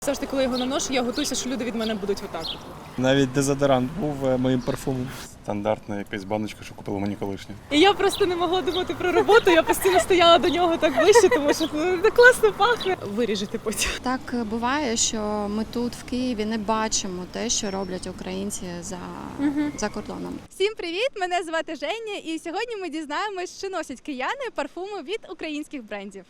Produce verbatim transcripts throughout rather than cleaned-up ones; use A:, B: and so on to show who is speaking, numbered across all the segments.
A: Завжди, коли я його наношу, я готуюся, що люди від мене будуть отак.
B: Навіть дезодорант був моїм парфумом.
C: Стандартна якась баночка, що купила мені колишня.
A: І я просто не могла думати про роботу, я постійно стояла до нього так ближче, тому що ну, так класно пахне. Виріжете потім.
D: Так буває, що ми тут в Києві не бачимо те, що роблять українці за, угу. за кордоном.
E: Всім привіт! Мене звати Женя, і сьогодні ми дізнаємось, чи носять кияни парфуми від українських брендів.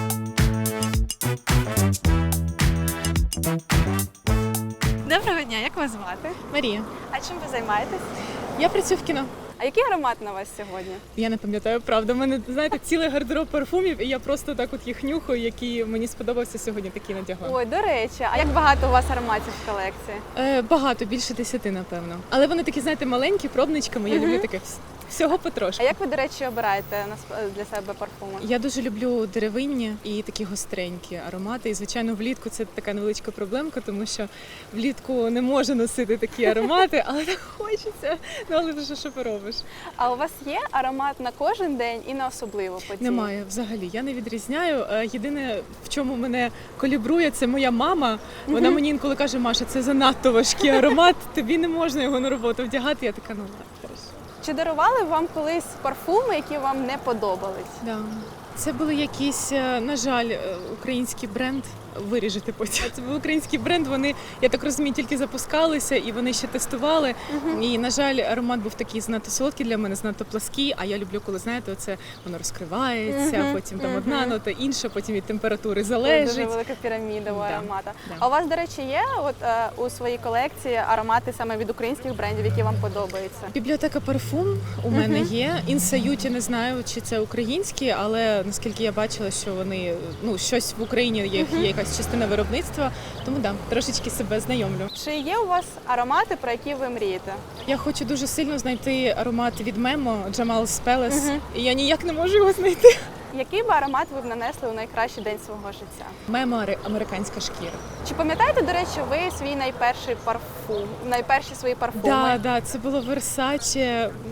E: Доброго дня, як вас звати?
A: Марія,
E: А чим ви займаєтесь?
A: я працюю в кіно.
E: А який аромат на вас сьогодні?
A: Я не пам'ятаю, правда. У мене, знаєте, цілий гардероб парфумів, і я просто так от їх нюхаю, які мені сподобався сьогодні, такі надягла.
E: Ой, до речі, а як багато у вас ароматів в колекції?
A: Е, багато, більше десяти, напевно. Але вони такі, знаєте, маленькі, пробничками, я
E: Мгм.
A: люблю таке всього
E: А
A: потрошку.
E: як ви, до речі, обираєте для себе парфуми?
A: Я дуже люблю деревинні і такі гостренькі аромати. І, звичайно, влітку це така невеличка проблемка, тому що влітку не можу носити такі аромати, але так хочеться. Ну, але вже що поробиш?
E: А у вас є аромат на кожен день і на особливу подію?
A: Немає взагалі. Я не відрізняю. Е, Єдине, в чому мене колібрує, це моя мама. Вона
E: Мгм.
A: мені інколи каже: Маша, це занадто важкий аромат, тобі не можна його на роботу вдягати. Я така, ну ладно, хорошо.
E: Чи дарували вам колись парфуми, які вам не подобались?
A: Да. Це були якісь, е, на жаль, е, український бренд. Виріжете потім. Це був український бренд. Вони, я так розумію, тільки запускалися і вони ще тестували.
E: Угу.
A: І, на жаль, аромат був такий занадто солодкий для мене, занадто плаский. А я люблю, коли знаєте, оце воно розкривається,
E: Мгм,
A: потім там
E: мгм.
A: одна нота, інша, потім від температури
E: Дуже
A: залежить.
E: велика піраміда у
A: Да,
E: аромата.
A: да.
E: А у вас, до речі, є от е, у своїй колекції аромати саме від українських брендів, які вам подобаються?
A: Бібліотека парфум у мене
E: Мгм.
A: є. Інсают, я не знаю, чи це українські, але наскільки я бачила, що вони ну щось в Україні є, є якась частина виробництва. Тому да, трошечки себе знайомлю.
E: Чи є у вас аромати, про які ви мрієте?
A: Я хочу дуже сильно знайти аромат від Мемо Jamal's Palace,
E: Мгм.
A: і я ніяк не можу його знайти.
E: Який би аромат ви б нанесли у найкращий день свого життя?
A: Мемо ари- американська шкіра.
E: Чи пам'ятаєте, до речі, ви свій найперший парфум, найперші свої парфуми?
A: Да, да, це було Versace. м,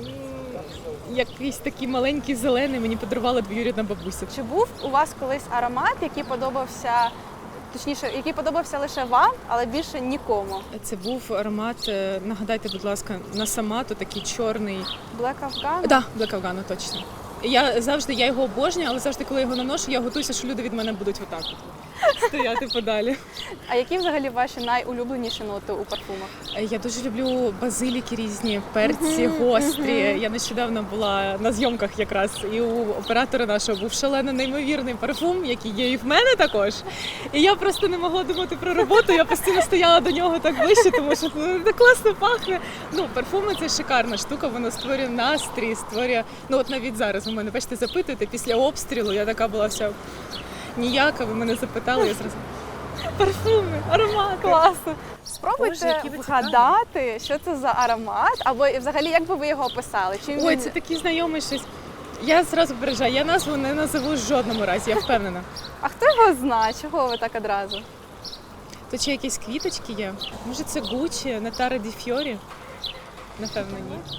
A: Якийсь такий маленький зелений, мені подарувала двоюрідна бабуся.
E: Чи був у вас колись аромат, який подобався, точніше, який подобався лише вам, але більше нікому?
A: Це був аромат, е, нагадайте, будь ласка, на Самату, такий чорний.
E: Black Afghan?
A: Да, Black Afghan, точно. Я завжди, я його обожнюю, але завжди, коли я його наношу, я готуюся, що люди від мене будуть отак от стояти подалі.
E: А які взагалі ваші найулюбленіші ноти у парфумах?
A: Е, Я дуже люблю базиліки різні, перці, гострі. Я нещодавно була на зйомках якраз, і у оператора нашого був шалено неймовірний парфум, який є і в мене також. І я просто не могла думати про роботу, я постійно стояла до нього так ближче, тому що ну, так класно пахне. Ну, парфуми – це шикарна штука, воно створює настрій, створює... Ну, от навіть зараз ви мене, бачите, запитуєте, після обстрілу я така була вся ніяка, ви мене запитали, я зразу парфуми, аромати.
E: Класно.
A: Боже,
E: Спробуйте
A: які ви
E: вгадати, що це за аромат, або і взагалі як би ви його описали? Чим
A: Ой,
E: він...
A: це такий знайомий щось. Я зразу попереджаю, я назву не назову в жодному разі, я впевнена.
E: А хто його знає? Чого ви так одразу?
A: То чи якісь квіточки є? Може це Гуччі, Натара Ді Фьорі? Напевно, ні.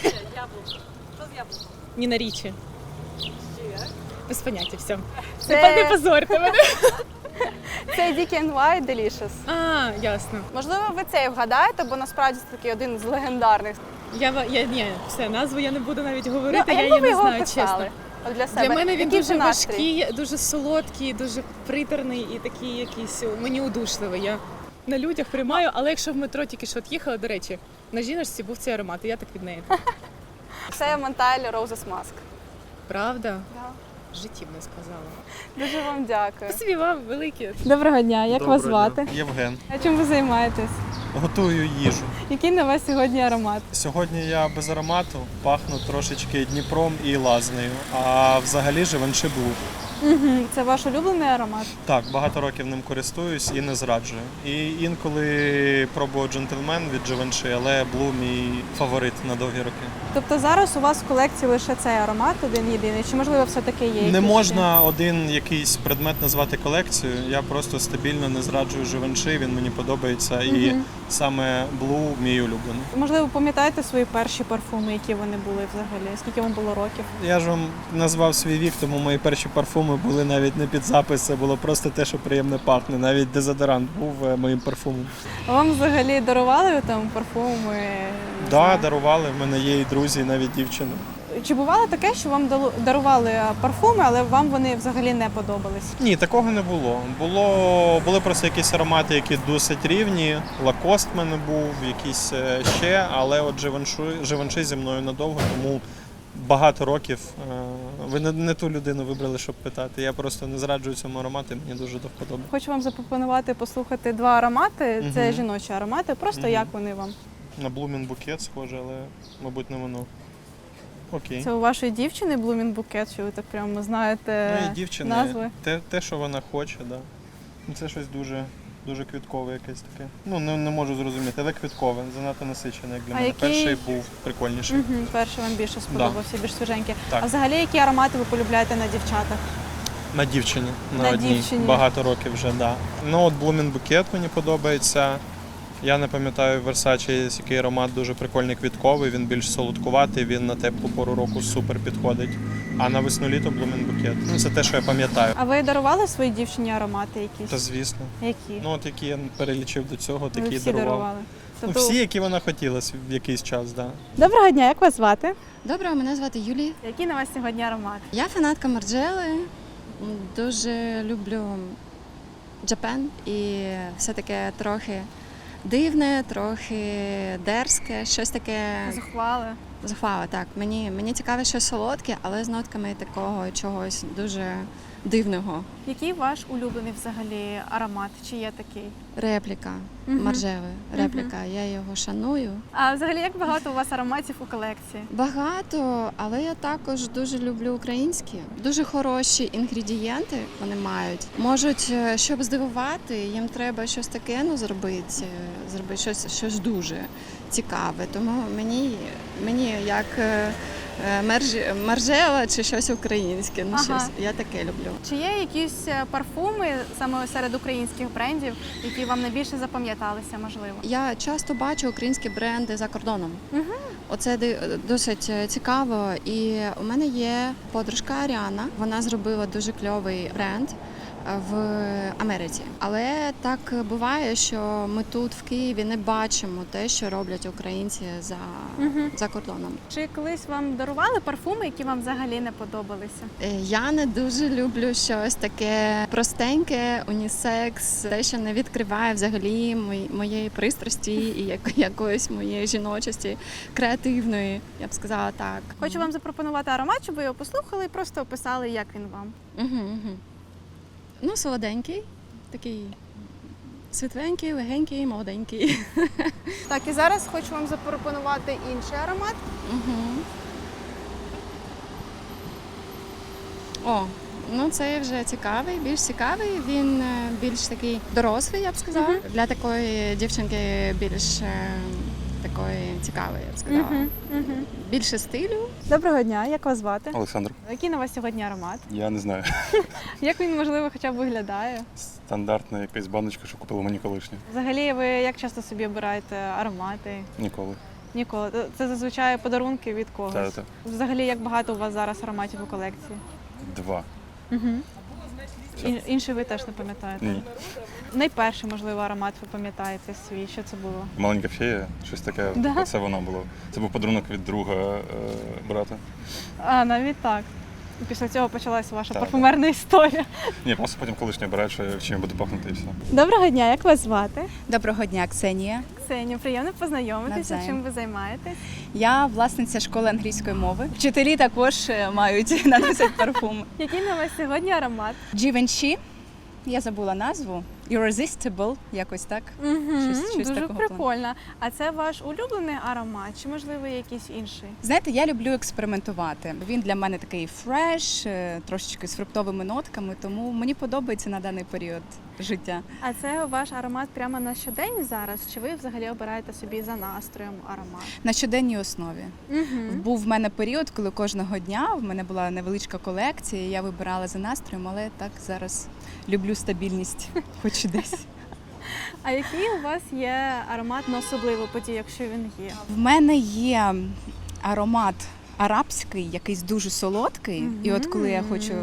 A: Ніна Річі. Без поняття, все.
E: Це-
A: Не позорте мене.
E: Це Dick and White Delicious.
A: А, ясно.
E: Можливо, ви цей вгадаєте, бо насправді це такий один з легендарних.
A: Я, ва- я, ні, все, назву я не буду навіть говорити,
E: Ну, а
A: я
E: як би
A: її
E: ви
A: не
E: його
A: знаю,
E: описали?
A: чесно.
E: От для себе.
A: Для мене він
E: Який
A: дуже
E: це настрій?
A: важкий, дуже солодкий, дуже приторний і такий якийсь мені удушливий. Я на людях приймаю, але якщо в метро тільки що от їхала, до речі, на жіночці був цей аромат, і я так від неї.
E: Це Монталь Roses Mask.
A: Правда?
E: Да.
A: В житті б не сказала.
E: Дуже вам дякую.
A: Спасибі вам велике.
E: Доброго дня, як вас звати?
B: Євген.
E: А чим ви займаєтесь?
B: Готую їжу.
E: Який на вас сьогодні аромат?
B: Сьогодні я без аромату, пахну трошечки Дніпром і Лазнею, а взагалі Живанши Блу.
E: Угу. Це ваш улюблений аромат?
B: Так, багато років ним користуюсь і не зраджую. І інколи пробую джентльмен від Живанши, але Блу мій фаворит на довгі роки.
E: Тобто зараз у вас в колекції лише цей аромат один єдиний, чи можливо все-таки є?
B: Не
E: якісь
B: можна один якийсь предмет назвати колекцією. Я просто стабільно не зраджую Живанши, він мені подобається. І
E: Мгм.
B: саме Блу мій улюблений.
E: ще? Можливо, пам'ятаєте свої перші парфуми, які вони були взагалі? Скільки вам було років?
B: Я ж вам назвав свій вік, тому мої перші парфуми парфуми були навіть не під запис, це було просто те, що приємно пахне. Навіть дезодорант був е, моїм парфумом.
E: А вам взагалі дарували там парфуми? Не
B: Так,
E: знаю?
B: да, дарували. В мене є і друзі, і навіть дівчина.
E: Чи бувало таке, що вам дало- дарували парфуми, але вам вони взагалі не подобались?
B: Ні, такого не було. Було були просто якісь аромати, які досить рівні. Лакост в мене був, якісь е, ще, але от Givenchy, Givenchy зі мною надовго, тому багато років. е, Ви не, не ту людину вибрали, щоб питати. Я просто не зраджую цьому аромату, мені дуже до вподоби.
E: Хочу вам запропонувати послухати два аромати. Це
B: Мгм.
E: жіночі аромати. Просто
B: Мгм.
E: як вони вам?
B: На Blooming Bouquet схоже, але, мабуть, не воно. Окей.
E: Це у вашої дівчини Blooming Bouquet, що ви так прямо знаєте
B: Ну і дівчини,
E: назви?
B: те, те, що вона хоче, да. Ну, це щось дуже, дуже квіткове якесь таке. Ну, не, не можу зрозуміти, але квіткове, занадто насичене, як для
E: А
B: мене.
E: який-
B: Перший був прикольніший.
E: Угу, перший вам більше сподобався, більш свіженький.
B: Так.
E: А взагалі, які аромати ви полюбляєте на дівчатах?
B: На дівчині, на,
E: На
B: одній.
E: дівчині.
B: Багато років вже, так. Да. Ну, от Blooming Bouquet мені подобається. Я не пам'ятаю, в Versace є який аромат дуже прикольний квітковий, він більш солодкуватий, він на теплу пору року супер підходить. А на весну-літо Blooming Bouquet. Ну, це те, що я пам'ятаю.
E: А ви дарували своїй дівчині аромати якісь?
B: Та звісно.
E: Які?
B: Ну, от які я перелічив до цього,
E: ви
B: такі
E: всі
B: дарував.
E: дарували?
B: Ну,
E: Тобто-
B: всі, які вона хотіла в якийсь час, так. Да.
E: Доброго дня, як вас звати?
D: Доброго, мене звати Юлія.
E: Який на вас сьогодні аромат?
D: Я фанатка Марджели. М, Дуже люблю Japan і все таке трохи дивне, трохи дерзке, щось таке
E: Зухвали.
D: зухвале. Так, мені, мені цікаве щось солодке, але з нотками такого чогось дуже дивного.
E: Який ваш улюблений взагалі аромат? Чи є такий?
D: Репліка
E: Мгм.
D: Марджели. Репліка. Я його шаную.
E: А взагалі, як багато у вас ароматів у колекції?
D: Багато, але я також дуже люблю українські. Дуже хороші інгредієнти вони мають. Можуть, е, щоб здивувати, їм треба щось таке ну, зробити, е, зробити щось, щось дуже цікаве. Тому мені, мені як е, е, мерж- маржела чи щось українське. Ну,
E: Ага.
D: щось, я таке люблю.
E: Чи є якісь е, парфуми саме серед українських брендів, які вам найбільше запам'яталися, можливо?
D: Я часто бачу українські бренди за кордоном.
E: Мгм.
D: Оце ди- досить цікаво. І у мене є подружка Аріана. Вона зробила дуже кльовий бренд в Америці. Але так буває, що ми тут в Києві не бачимо те, що роблять українці за,
E: Мгм.
D: за кордоном.
E: Чи колись вам дарували парфуми, які вам взагалі не подобалися?
D: Е, Я не дуже люблю щось таке простеньке, унісекс, те, що не відкриває взагалі мої- моєї пристрасті і як- якоїсь моєї жіночості, креативної, я б сказала так.
E: Хочу вам запропонувати аромат, щоб ви його послухали і просто описали, як він вам.
D: Угу, угу. Ну, солоденький, такий світленький, легенький, молоденький.
E: Так, і зараз хочу вам запропонувати інший аромат.
D: Угу. О, ну це вже цікавий, більш цікавий. Він е, більш такий дорослий, я б сказала.
E: Мгм.
D: Для такої дівчинки більш е, такої цікавої, я б сказала.
E: Мгм, мгм.
D: Більше стилю.
E: Доброго дня, як вас звати?
C: Олександр,
E: Який на вас сьогодні аромат?
C: я не знаю.
E: Як він, можливо, хоча б виглядає?
C: Стандартна якась баночка, що купила мені колишня.
E: Взагалі, ви як часто собі обираєте аромати?
C: Ніколи.
E: Ніколи. Це зазвичай подарунки від когось.
C: Та-та.
E: Взагалі, як багато у вас зараз ароматів у колекції?
C: Два.
E: Угу. Інший ви теж не пам'ятаєте?
C: Ні.
E: Найперший, можливо, аромат ви пам'ятаєте свій. Що це було?
C: Маленька фея, щось таке.
E: Да?
C: Оце воно було. Це був подарунок від друга е, брата.
E: А, навіть так. І після цього почалася ваша
C: Так,
E: парфумерна історія.
C: Ні, просто потім колишня бере, що чим я буду пахнути і все.
E: Доброго дня, як вас звати?
F: Доброго дня, Ксенія.
E: Ксенія, приємно познайомитися.
F: Навзаєм.
E: Чим ви займаєтесь?
F: Я власниця школи англійської мови. Вчителі також е, мають наносять парфум.
E: Який на вас сьогодні аромат?
F: Givenchy, я забула назву. Irresistible, якось так.
E: Угу,
F: Щось- щось
E: дуже
F: такого
E: прикольно. А це ваш улюблений аромат, чи можливо якийсь інший?
F: Знаєте, я люблю експериментувати. Він для мене такий фреш, е, трошечки з фруктовими нотками, тому мені подобається на даний період життя.
E: А це ваш аромат прямо на щодень зараз? Чи ви взагалі обираєте собі за настроєм аромат?
F: На щоденній основі.
E: Угу.
F: Був в мене період, коли кожного дня в мене була невеличка колекція, я вибирала за настроєм, але так зараз люблю стабільність, хоч десь.
E: А який у вас є аромат на особливу подію, якщо він є?
F: В мене є аромат арабський, якийсь дуже солодкий. І от коли я хочу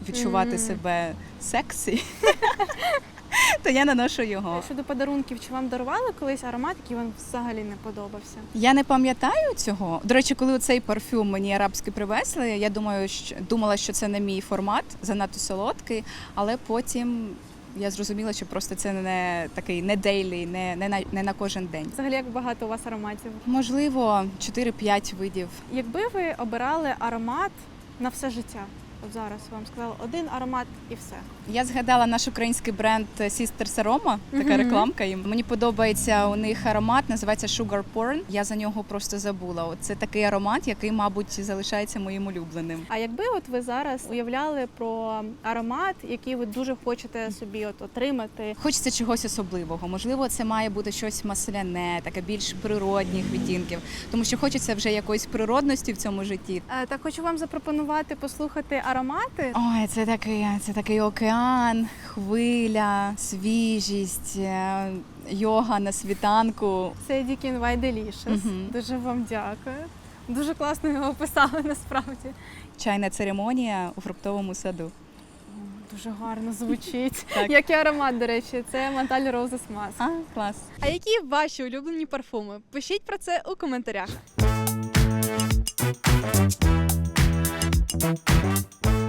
F: відчувати
E: Мгм.
F: себе сексі, то я наношу його.
E: Щодо подарунків, чи вам дарували колись аромат, який вам взагалі не подобався?
F: Я не пам'ятаю цього. До речі, коли цей парфюм мені арабський привезли, я думаю, що думала, що це не мій формат, занадто солодкий, але потім я зрозуміла, що просто це не такий не дейлі, не, не, на, не на кожен день.
E: Взагалі, як багато у вас ароматів?
F: Можливо, чотири-п'ять видів.
E: Якби ви обирали аромат на все життя, от зараз вам сказали один аромат і все.
F: Я згадала наш український бренд Sisters Aroma, така
E: Мгм.
F: рекламка їм. Мені подобається у них аромат, називається Sugar Porn. Я за нього просто забула. От це такий аромат, який, мабуть, залишається моїм улюбленим.
E: А якби от ви зараз уявляли про аромат, який ви дуже хочете собі от отримати,
F: Хочеться чогось особливого. Можливо, це має бути щось масляне, таке більш природних відтінків, тому що хочеться вже якоїсь природності в цьому житті.
E: Е, так хочу вам запропонувати послухати аромати.
F: Ой, це такий, це такий океан, хвиля, свіжість, е, йога на світанку.
E: Це Дікін White Delicious.
F: Мгм.
E: Дуже вам дякую. Дуже класно його описали насправді.
F: Чайна церемонія у фруктовому саду.
E: Дуже гарно звучить.
F: Так.
E: Як і аромат, до речі, це Montale Roses Mask.
F: А, клас.
E: А які ваші улюблені парфуми? Пишіть про це у коментарях.